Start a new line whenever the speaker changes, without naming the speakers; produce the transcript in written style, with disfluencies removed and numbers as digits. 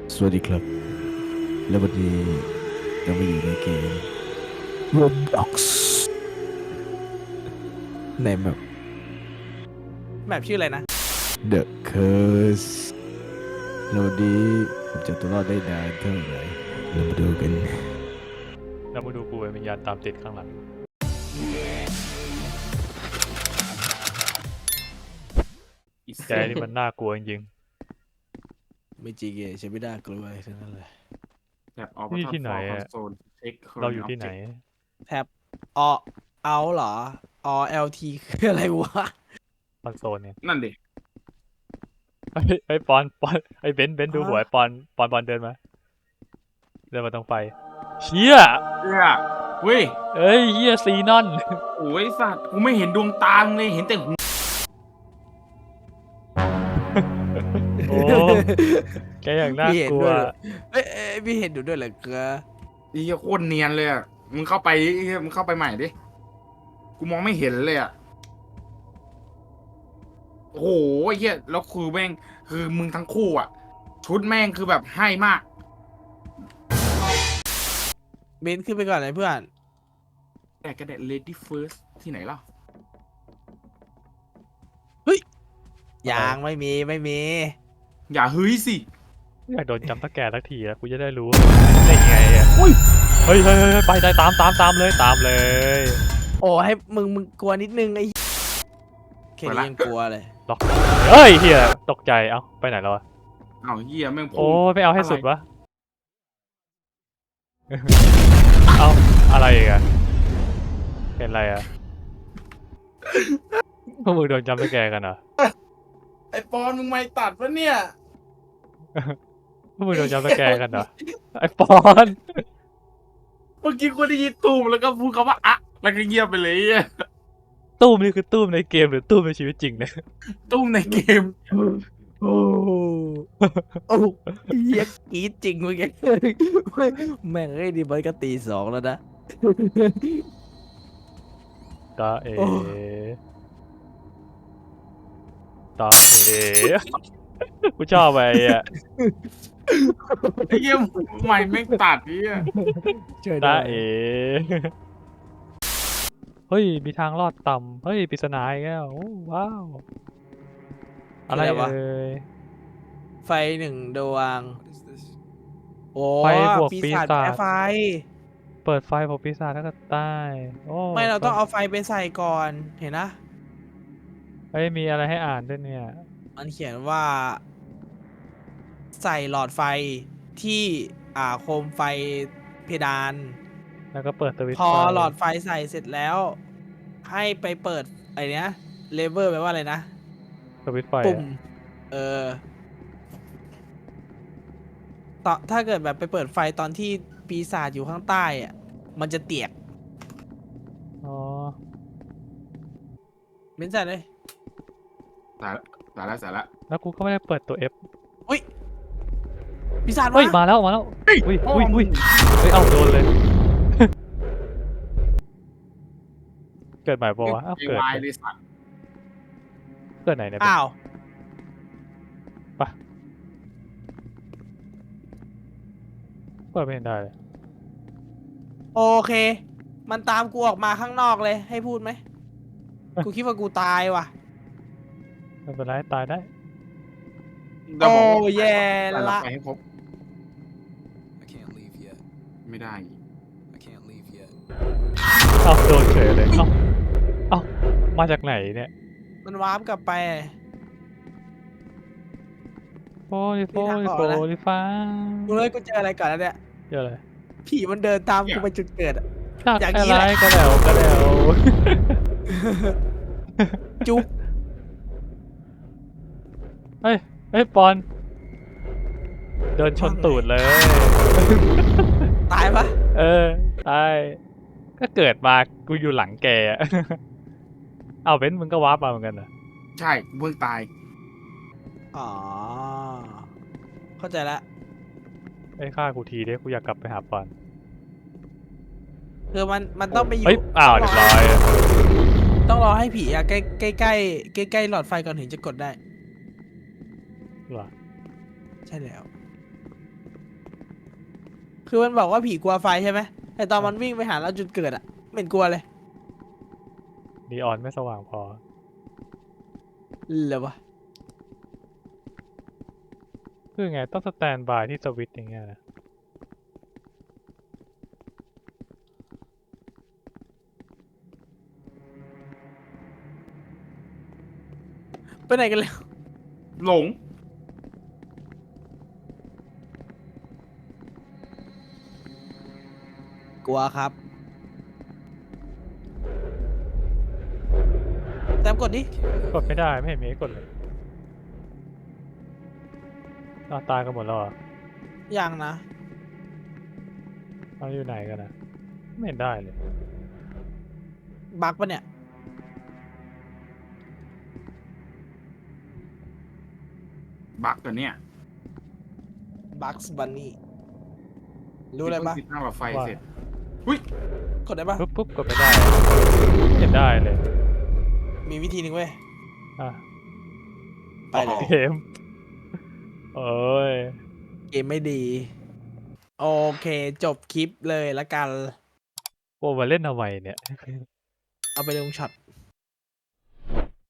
สวัสดีครับ และวันนี้เรามาอยู่ในเกม Roblox ในแมป
แบบชื่ออะไรนะ
The Curse แล้ววันนี้ผมจะตัวรอดได้นานเท่าไหร่เรามาดูกัน
เรามาดูกูเป็นวิญญาณตามติดข้างหลังแกนี่มันน่ากลัวจริง
ไม่จริงใช่ไม่น่ากลัวทั้งนั้นเลย
แบบออ
นี่ที่ไหนอะ ๆ เราอยู่ที่ไหน
แท็บอเอาเหรอLT คืออะไรวะ
คอนโซลเนี่ย
นั่นดิ
ไอ้ปอนไอ้เบนซ์ดูหัวไอ้ปอนเดินมาตรงไฟเชี่ย
เนี่ยเว้ย
เอ้ยเฮียซีนอน
โอ้ยสัตว์กูไม่เห็นดวงตามึงเลยเห็นแต่หู
โอ้แกอย่างน่ากลัว
เอ้ยพี่เห็นดูด้วยเหรอเกลือ
ไอ้เหี้ยโคตรเนียนเลยอ่ะมึงเข้าไปดิมึงเข้าไปใหม่ดิกูมองไม่เห็นเลยอ่ะโอ้โหไอ้เหี้ยแล้วคือแม่งคือมึงทั้งคู่อ่ะ ชุดแม่งคือแบบให้มาก
เบนขึ้นไปก่อนเลยเพื่อน
แต่กระเด็ด lady first ที่ไหนล่ะ
ยังไม่มี
อย่าเฮ้ยสิ
อยากโดนจำตะแกสักทีแล้วกูจะได้รู้ได้ยังไงอ่ะเฮ้ยไปได้ตามเลย
โอ้ให้มึงกลัวนิดนึงไอ้แค่นี้ยังกลัวเลย
ล็อกเฮ้ยเฮียตกใจเอ้าไปไหนแล้วอะ
อ้าวเหี้ยแม่ง
โอ้ไม่เอาให้สุดวะ เอาอะไรอีกอะเห็นอะไรอะพวกมึงโดนจำสแกร์กันเหรอ
ไอ้ปอนมึงไม่ตัดปะเนี่ย
พวกมึงโดนจำสแกร์กันเหรอไอ้ปอน
เมื่อกี้กูได้ยินตูมแล้วก็พูดคำว่าอะแล้วก็เงียบไปเลยอ่ะ
ตู้มนี่คือตู้มในเกมหรือตู้มในชีวิตจริงเนี่ย
ตูมในเกม
โอ้โอ้เฮียกรีดจริงเมื่อกี้แม่งไอ้ดิมันก็ตีสองแล้วนะ
ตาเอ
โอ้
ตาเอ กูชอบไปอ่ะ
ไอ้เหี้ยไม่แม่งตัดเนี่ย
ช่วย
ตา
ด้วย
เอ เฮ้ยมีทางลอดต่ำเฮ้ยปริศนาอีกแล้วโอ้ว้าวอะไรเอ่ย
ไฟหนึ่งดวงโอ้
ไฟบวก
ปี
ปี
ศาจ
ศาจ
แพ้ไฟ
เปิดไฟบอกปีศาจแล้วก็ใต้โอ้
ไม่เราต้องเอาไฟไปใส่ก่อนเห็นนะ
เฮ้ยมีอะไรให้อ่านด้วยเนี่ย
มันเขียนว่า ใส่หลอดไฟที่โคมไฟเพดาน
แล้วก็เปิดสวิตช์
พอ
ไฟ
หลอดไฟใส่เสร็จแล้ว ให้ไปเปิดไอเนี้ยเลเวอร์แปลว่าอะไรนะ
สวิตช์ไฟ
ปุ่ม ต่อถ้าเกิดแบบไปเปิดไฟตอนที่ปีศาจอยู่ข้างใต้อะมันจะเตียก
อ๋อ
เม้นใส่เลย
สาระ
แล้วกูก็ไม่ได้เปิดตัว F
อุ้ยปีศาจ
เฮ้ย
มา
มาแล้วอุ้ยเฮ้ยเอาโดนเลย เกิดใหม่ปะวะ
ไอ้
เกิด
วายเลยสัตว์
เกิดไหนเนี่ย
อ้าว
เปิดไม่เห็นได้เลย
โอเค มันตามกูออกมาข้างนอกเลย ให้พูดไหม กูคิดว่ากูตายว่ะ
ไม่เป็นไรตายได้
เดี๋ยว
โอ้
บอกว่า
แย่
แต่
ละ
ไปให้ครบ
I can't leave yet.
ไม่ได้
I can't leave yet.
เอาโดนเฉยเลยเอามาจากไหนเนี่ย
มันวาร์ปกลับไป
โฟลิฟ้า
กูเลยกูเจออะไรก่อนแล้วเนี่ย
เจออะไร
ผีมันเดินตามกูไปจุดเกิดอะ
จาก
อย่าง
อะ
นี้
ไร
แหละ
ก็แล้ว
จุ๊บ
เฮ้ยปอน เดินชนตูดเลย
ตายปะ
ตายก็เกิดมากูอยู่หลังแกอะ เอาเบนซ์มึงก็วาร์ปมาเหมือนกันเหรอ
ใช่เพิ่งตาย
อ๋อ เข้าใจละ
ไอ้ฆ่ากูทีเด้กูอยากกลับไปหาปอน
คือมันต้องไปอยู่
เฮ้ยอ้าวเรียบร้อย
ต้องรอให้ผีอะใกล้ใกล้ใกล้ใกล้หลอดไฟก่อนถึงจะกดได้
เหรอ
ใช่แล้วคือมันบอกว่าผีกลัวไฟใช่ไหมแต่ตอนมันวิ่งไปหาเราจุดเกิดอะไม่เห็นกลัวเลย
นีออนไม่สว่างพอ
เหรอวะ
คือไงต้องสแตนบายที่สวิตช์อย่างเงี้ยนะ
ไปไหนกันแล้ว
หลง
กลัวครับแต้มกดดิ
กดไม่ได้ไม่เห็นมีให้กดเลยอ้าวตายกันหมดแล้วเหรอ
ยังนะ
เอาอยู่ไหนกันนะไม่เห็นได้เลย
บักปะเนี่ย
บักตัวเนี้ย
บักส์บันนี่รู้อะไรปะ
ติดตั้งหลอดไฟ
ว่า
เสร็จ
กดได้ปะ
ปุ๊บกดไม่ได้ไม่เห็นได้เลย
มีวิธีหนึ่งเว้ย
อ่ะ
ไปเลย
เกมเอ้ย
เกมไม่ดี โอเค จบคลิปเลยละกัน
โอ้มาเล่นทำไมเนี่ย
เอาไปลงช็อต